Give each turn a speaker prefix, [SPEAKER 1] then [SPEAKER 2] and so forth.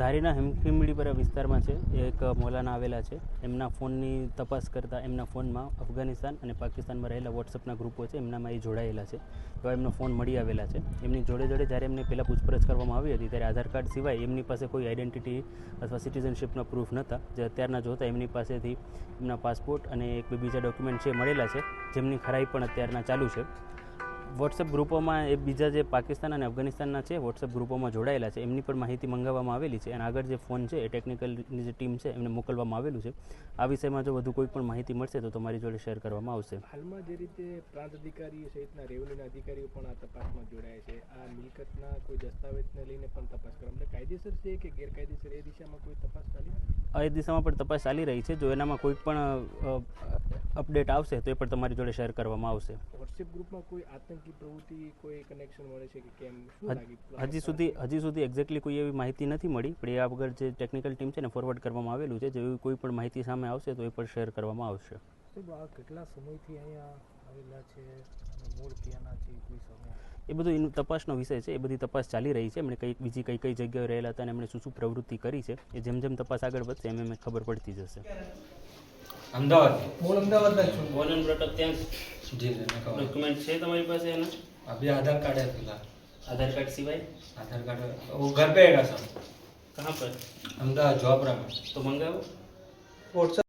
[SPEAKER 1] ધારીના હિમખીમડીપરા વિસ્તારમાં છે એક મૌલાના આવેલા છે. એમના ફોનની તપાસ કરતાં એમના ફોનમાં અફઘાનિસ્તાન અને પાકિસ્તાનમાં રહેલા વોટ્સઅપના ગ્રુપો છે એમનામાં એ જોડાયેલા છે. એવા એમનો ફોન મળી આવેલા છે. એમની જોડે જ્યારે એમને પહેલાં પૂછપરછ કરવામાં આવી હતી ત્યારે આધાર કાર્ડ સિવાય એમની પાસે કોઈ આઈડેન્ટિટી અથવા સિટીઝનશીપના પ્રૂફ નહોતા. જે અત્યારના જોતા એમની પાસેથી એમના પાસપોર્ટ અને એક બીજા ડોક્યુમેન્ટ છે મળેલા છે, જેમની ખરાઈ પણ અત્યારના ચાલુ છે. વોટ્સએપ ગ્રુપોમાં એ બીજા જે પાકિસ્તાન અને અફઘાનિસ્તાનના છે વોટ્સએપ ગ્રુપોમાં જોડાયેલા છે એમની પણ માહિતી મંગાવવામાં આવેલી છે અને આગળ જે ફોન છે એ ટેકનિકલની જે ટીમ છે એમને મોકલવામાં આવેલું છે. આ વિષયમાં જો વધુ કોઈ પણ માહિતી મળશે તો તમારી જોડે શેર કરવામાં આવશે.
[SPEAKER 2] હાલમાં જે રીતે પ્રાંત અધિકારીઓ સહિતના રેવન્યુના અધિકારીઓ પણ આ તપાસમાં જોડાયા છે. આ મિલકતના કોઈ દસ્તાવેજને લઈને પણ તપાસ કરવા એટલે કાયદેસર છે કે ગેરકાયદેસર એ દિશામાં કોઈ તપાસ ચાલી
[SPEAKER 1] એ દિશામાં પણ તપાસ ચાલી રહી છે. જો એનામાં કોઈ પણ અપડેટ આવશે તો એ પણ તમારી જોડે શેર કરવામાં આવશે.
[SPEAKER 2] વોટ્સએપ ગ્રુપમાં કોઈ આતંકી પ્રવૃત્તિ કોઈ કનેક્શન મળે છે કે કેમ
[SPEAKER 1] હજી સુધી એક્ઝેક્ટલી કોઈ એવી માહિતી નથી મળી, પણ એ આગળ જે ટેકનિકલ ટીમ છે ને ફોરવર્ડ કરવામાં આવેલું છે. જેવી કોઈ પણ માહિતી સામે આવશે તો એ પણ શેર કરવામાં આવશે.
[SPEAKER 2] કેટલા સમયથી અહીંયા આવેલા છે, મૂળ ક્યાંના છે, કોઈ સમય
[SPEAKER 1] એ બધું તપાસનો વિષય છે. એ બધી તપાસ ચાલી રહી છે. એમણે બીજી કઈ જગ્યાએ રહેલા હતા અને એમણે શું પ્રવૃત્તિ કરી છે એ જેમ તપાસ આગળ વધશે એમ ખબર પડતી જશે.
[SPEAKER 3] Ahmedabad
[SPEAKER 1] born and brought up ત્યાં
[SPEAKER 3] જી
[SPEAKER 1] ડોક્યુમેન્ટ છે તમારી પાસે એના?
[SPEAKER 3] अभी आधार कार्ड है फिलहाल.
[SPEAKER 1] आधार कार्ड सिवाय?
[SPEAKER 3] आधार कार्ड वो घर पे है सब.
[SPEAKER 1] कहाँ पर?
[SPEAKER 3] अहमदाबाद जॉबरा में.
[SPEAKER 1] तो मंगाओ.
[SPEAKER 2] वॉट्सएप